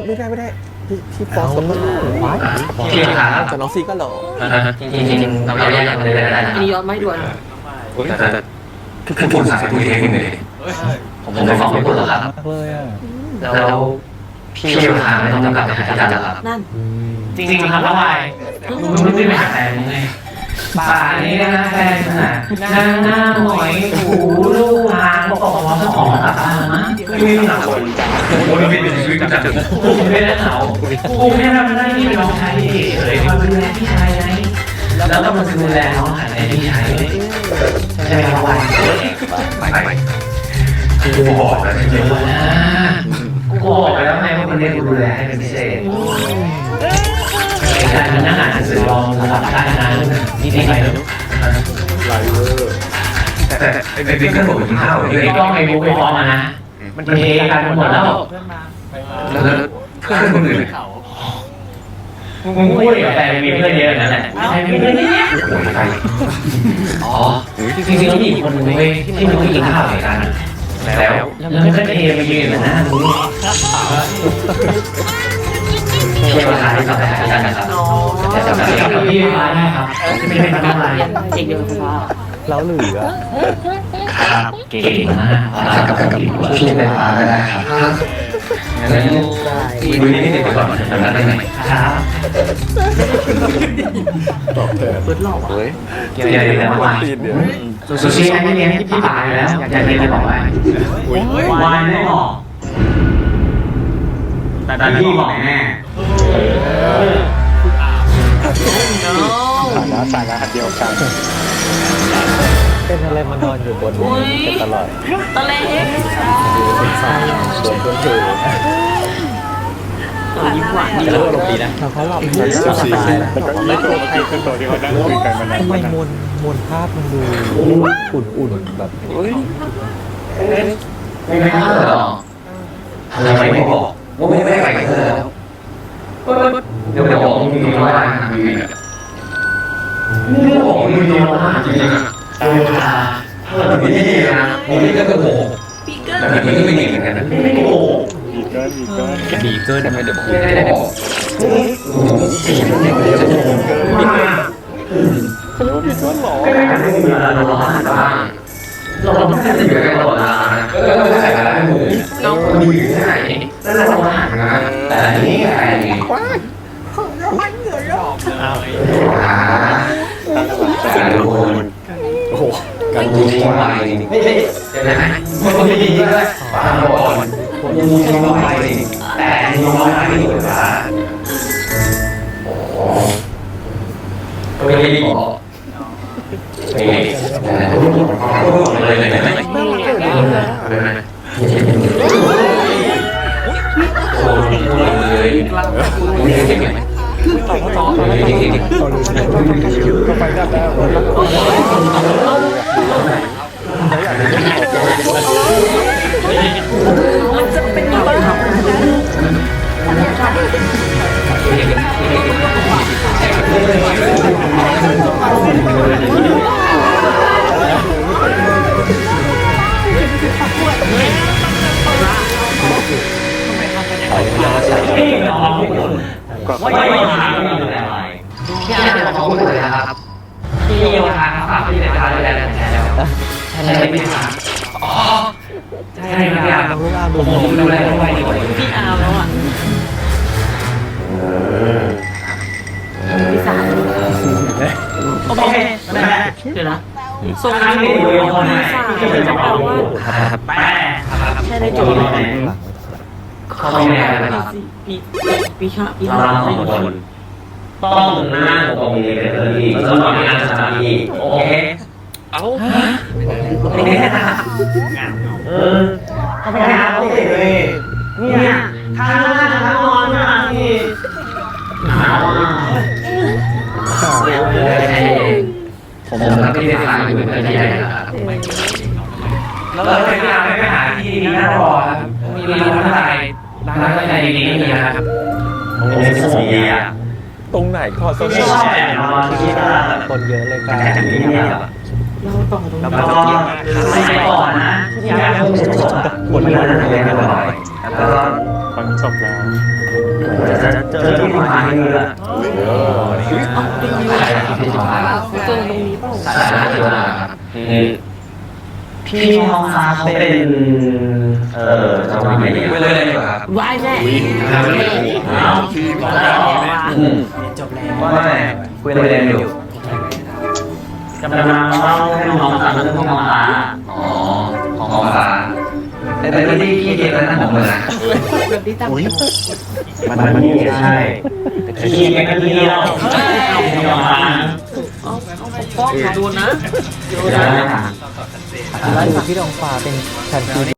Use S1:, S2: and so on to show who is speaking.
S1: ไม่ได้พี่ฟอสก็หล่อ
S2: พี่ขา
S1: แต่น้องซีก็หล่อ
S2: จริงๆเราแยกกันเลยได้
S3: อันนี้ย้อนไม่ด่วน
S2: แต่คือพูดภาษาพูดเองเลยผมไปฟังไม่พูดหรอกครับ
S1: เลยอ่ะ
S2: แล้วพี่ขาไม่ต้องกลับไปหาที่จันครับ
S3: นั่น
S2: จริงๆครับแล้วไงมึงไม่ไปหาแฟนมึงไงป่านี้นะแฟนน่ะหน้าหอยหูลูกหางบอกว่าสมองตัดนะไม่หนาวกูไม่เป็นชีวิตจัดกูไม่ได้หนาวกูไม่ทำได้ที่เป็นน้องชายเลยมาดูแลพี่ชายไงแล้วก็มาดูแลน้องชายพี่ชายใช่ไหมครับวันไปกูบอกแล้วจริงๆนะกูบอกไปแล้วไงว่าคนนี้กูดูแลให้เป็นพิเศษการนั่งอ่านหนังสือลองระดับได้นะนี่ไปแล้ว
S1: ไลเวอร์
S2: แต่ไอ้บิ๊กก็บอกกินข้าวไอ้กล้องไอ้บุ๊กไอ้ฟอมานะมันเทกันหมดแล้วแล้วเพื่อนคนอื่นมึงพูดกับแฟนมีเพื่อนเยอะนั่นแหละใครมีเพื่อนเยอะอ๋อจริงๆแล้วมีคนนึงเว้ยที่มันไม่กินข้าวเหมือนกันแล้วมันก็เทมายืนนะมึงเที่ยวร้านที่ต่อไปอาจารย์นะครับจะจำได้ครับพี่ร้านนะครับไม่เป็นอะไร
S3: เด็กเดียวกันว่า
S1: แล้วเหลือ
S2: ครับเก่งมากกับพี่เป็นร้านก็ได้ครับงั้นดูนี่ติดไปก่อนทำได้ไหมครับ
S1: ตอบแทน
S3: เปิดหลอก
S1: เฮ้ย
S2: เกี่ยวอะไรกันวะซูชิไม่เลี้ยงพี่ป่าอยู่แล้วอยากเรียนอะไรบอกไว้วายไม่บอกแต่พี่บอกแน่
S1: ฐานะเดียวกันเป็นอะไรมานอนอยู่บนนี้ตลอด
S3: ตะเล็ก
S1: เป็นสายโดนเพื่อนเธอ
S3: ยิ้มหวานดี
S1: แล้วลงดีนะเขาหลับสบายแล้วไม่โกรธใครเป็นตัวที่เขานั่งคุยกันมานานทำไมมนภาพมันดูอุ่นๆแบบ
S2: ไม่พลาดหรอทำไมไม่บอกว่าไม่ไปกับเธอแล้วเดี๋ยวบอกมึงมีน้อยมากนี่บอกมึงมีน้อยมากจริงๆแต่นี่นะนี่ก็โกหกแต่นี่ก็ไม่ดีเหมือนกันนะไม่โกหก
S1: บีเกิลไม่ได้บอก
S2: ไม่ได้บอก
S1: เขาเรียกว่าบีเกิลหรอ
S2: ก็ได้การที่มีเราต้องหันบ้างเราต้องการจะอยู่กันตลอดเวลาแล้วเราไม่ใส่อะไรให้มือเราอยู่ที่ไหนแล้วเราต้องหันนะแต่นี่ใครการดูคน
S1: โอ้โห
S2: การดูทิ้งไปไม่ใช่ใช่ไหมมันไม่ดีด้วยฟังก่อนยังทิ้งไปแต่ยังไม่ได้ดีกว่าก็ไม่ได้บอกไม่เลยโอ้ยเลย
S1: ต่อไปได้แล้ว
S3: มันจะเป็นยังไง
S2: ไม่ทางไม่ดูแลอะไรพี่อาจจะมองคนอื่นนะครับพี่โยธาครับพี่ในการดูแลแทนแล้วใช่ไหมครับอ๋อใช่ครับผมดูแลไม่ไหวดีกว่า
S3: พี่อาแล้วอ่ะพี่สาวโอเคเดี๋ยวนะส่งที่ดูคนสาวจะแปลว่าใช่ในจุดไหน
S2: เขาไม่ได้ครับ
S3: พี่ชาพี่
S2: เราสองคนต้องนั่งตรงนี้เลยแล้วก็นั่งสมาธิโอเคเอาไม่ได้นะเขาไม่ได้เขาติดเลยเนี่ยทางนั่งทางนอนมาที่หนาวผมกับพี่ได้ฟังอยู่เป็นที่ไหนนะครับแล้วเราไปหาที่ดีน่ารอครับมีร้านอะไรดีๆนี่นะครับผมมีสมุนไพร
S1: ตรงไหนขอโซน
S2: ชอบแต่นอนที่
S1: คนเยอะเลยกัน
S2: ที่นี่แล้วก็ไปก่อนนะอยากบทมันจะเรียนบ่อยแล้วก็
S1: ฟังจบแล้ว
S2: เจอที่ผ่านมือแล้ว
S3: เจอตรงนี้เปล่า
S2: พี่ทองฟ้าเขาเป็นจะว่าไงดีไปเลยดีกว่าครับ
S3: วายแน่
S2: จบแล้วว่าคุยเรียนอยู่กำลังเล่าให้น้องฟังเรื่องทองฟ้าทองฟ้าแต่ที่พี่เก็บไว้นั่นผมเลยนะ มันนี่ใช่พี่เก็บไว้ที่เราทองฟ้า
S3: ฟ้องโดนนะ
S2: เดี๋ยวนะ
S1: แล้วอยู่ที่ดองฟ้าเป็นแชมป์